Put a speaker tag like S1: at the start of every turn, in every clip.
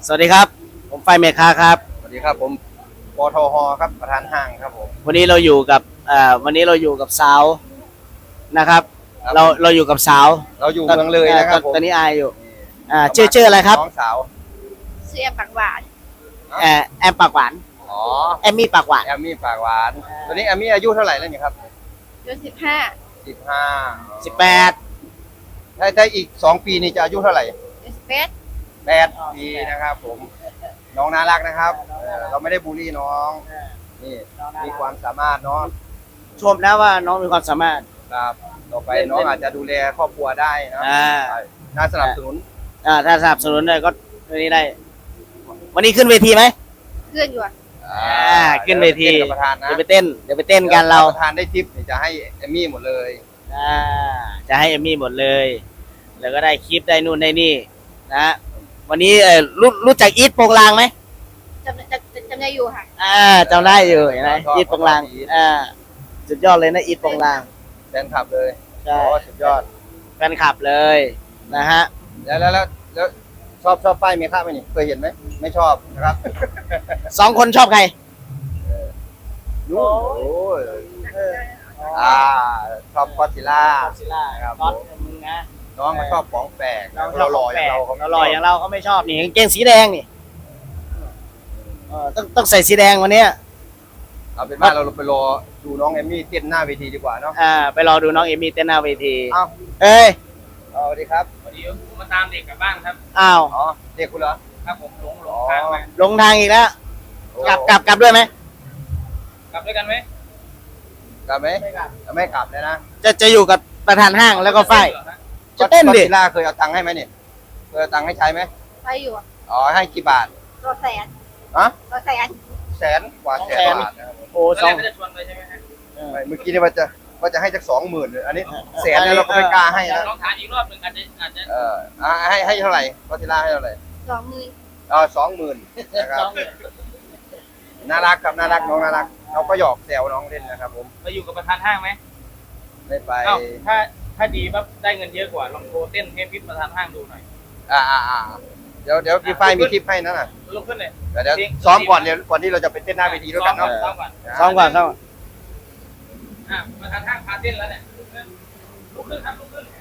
S1: สวัสดีครับผมไฟเมคาครับ
S2: สวัสดีครับผมปทหครับประธานห้างครับผม
S1: วันนี้เราอยู่กับวันนี้เราอยู่กับสาวนะครับเราอยู่กับสาว
S2: เราอยู่เมืองเลยนะครับผม
S1: ตอนนี้อายอยู่ชื่ออะไรครับ
S2: น้องสาว
S3: เสียปากหวาน
S1: แอมปากหวาน
S2: อ๋อ
S1: แอมมี่ปากหวาน
S2: แอมมี่ปากหวานตอนนี้แอมมี่อายุเท่าไหร่แล้วเนี่ยครับ
S3: อายุ15
S2: 15
S1: 18
S2: ถ้าอีก2 ปีนี่จะอายุเท่าไหร่
S3: 21
S2: 8 ปีนะครับผมน้องน่ารักนะครับเราไม่ได้บูลลี่น้องนี่มีความสามารถเนาะ
S1: ชมนะว่าน้องมีความสามารถ
S2: ครับต่อไปน้องอาจจะดูแลครอบครัวได้นะ
S1: อ่า
S2: น่าสนับสนุน
S1: ถ้าสนับสนุนได้ก็วันนี้ได้ วันนี้ขึ้นเวทีไหม
S3: เพื่อนอยู่อะ
S1: ขึ้นเวที
S2: ต้นกับประธานนะ
S1: เดี๋ยวไปเต้นกันเรา
S2: ประธานได้ทิปนี่จะให้เอมมี่หมดเลย
S1: จะให้เอมมี่หมดเลย แล้วก็ได้คลิปได้นู่นได้นี่นะวันนี้รู้จักอีทโปงลางไหม
S3: จำได้อยู่ค่ะ
S1: จำได้อยู่เห็นไหมอีทโปงลางสุดยอดเลยนะอีทโปงลาง
S2: แฟนคลับเลย
S1: ใช่
S2: โอ้สุดยอด
S1: แฟนคลับเลยนะฮะ
S2: แล้วชอบป้ายเมค่าไหมนี่เคยเห็นไหมไม่ชอบนะครับ
S1: 2 คนชอบใคร
S2: นู้นโอ้ยชอบก็อดซิลล่า ครับ
S1: ก๊อตมึงนะ
S2: น้องก็ชอบของแปลก
S1: เรา
S2: เราหล่ออย่างเราเขาไม่
S1: หล่ออย่างเราเขาไม่ชอบนี่กางเกงสีแดงนี่ต้องใส่สีแดงวันเนี้ย
S2: เอาเป็นว่าเราไปรอดูน้องเอมมี่เต้นหน้าเวทีดีกว่าเนาะ
S1: ไปรอดูน้องเอมี่เต้นหน้าเวที
S2: เอ้า
S1: เอ้ย
S2: สวัสดีครับ
S4: พอดีผมมาตามเด็กกลับบ้านครับ
S1: อ้าว
S2: อ๋อเด็กคุณเหรอ
S4: ครับผมหลงทางมา
S1: ลงทางอีกแล้วกลับด้วยไหม
S4: กลับด้วยกันไหม
S2: กลับไหมไม่กลับเลยนะ
S1: จะอยู่กับประธานห้างแล้วก็ฝ้าย
S4: เหรอฮะ
S1: จะเต้นดิ
S2: ก็อดซิลล่าเคยเอาตังค์ให้ไหมเนี่ยเคยเอาตังค์ให้ใช้ไหม
S3: ไปอยู่อะ
S2: อ๋อให้กี่บาท
S3: รถแสน
S2: ฮะ
S3: รถแสน
S2: 100,000 บาทนะครับ
S1: โอ้
S4: ตอน
S1: สอง
S4: แรกก็จะชวนไปใช่ไหมฮะ
S2: ไม่เมื่อกี้เนี่ยว่าจะให้สัก20,000เลยอันนี้แสนเนี่ยเราก็ไม่กล้าให้นะ
S4: ลองถามอีกรอบหนึ่งอาจจะ
S2: ให้เท่าไหร่ก็ทีล่าให้เท่าไหร่
S3: 20,000
S2: 20,000นะครับน่ารักครับน่ารักน้องน่ารักเราก็หยอกแซวน้องเล่นนะครับผม
S4: ไปอยู่กับประธานห้างไหม
S2: ไม่ไป
S4: เอ้าถ้าดีปั๊บได้เงินเยอะกว่าลองโทรเต้นให้พี่ประธานห้างดูหน่อย
S2: เดี๋ยวพี่ฝ้ายมีคลิปให้นะน่ะ
S4: ลุกขึ้นเลย
S2: เดี๋ยวซ้อมก่อนเดี๋ยวก่อนที่เราจะไปเต้นหน้าเวทีด้วยกันเนาะ
S4: ซ้อมก่อน
S1: ซ้อมก่อนซ้อมก่อน
S4: ประธานห้างพาเต้นแล้วเนี่ยลุกขึ้นครับลุกขึ้น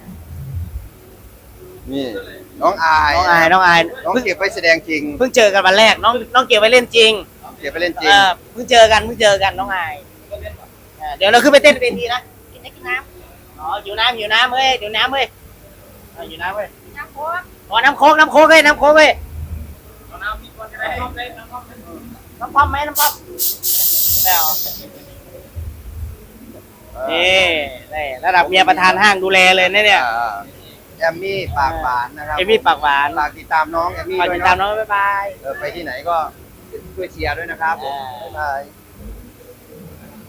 S2: นี่น้องอาย
S1: น้องอาย
S2: น้องเก็บไปแสดงจริง
S1: เพิ่งเจอกันวันแรกน้องเก็บไว้เล่นจริง
S2: เก็บไปเล่นจริง
S1: เพิ่งเจอกันน้องอายเดี๋ยวเราขึ้นไปเต้นเวทีนะ
S3: กินได้กินน้
S1: อ๋ออยู่น้ำเว้ยอยู่น้ำเว้ยอยู่น้ำเว้ย
S3: ำน้ำโค้ก
S1: อ๋อน้ำโค้กเว้ย
S4: เอาน้ำมีคนจะได้ชอบได้น้ำชอบได้
S1: น้ำพร้อมไหมน้ำพร้อมแล้วนี่ระดับเมียประธานห้างดูแลเลยนะเนี่ย
S2: แอมมี่ปากหวานนะครับ
S1: เอมี่ปากหวาน
S2: ฝากติดตามน้องแอมมี่
S1: ฝาก
S2: ด้วย
S1: ติดตาม
S2: เนาะ
S1: น้องบ๊ายบาย
S2: ไปที่ไหนก็ช่วยเชียร์ด้วยนะครับผมบ๊ายบาย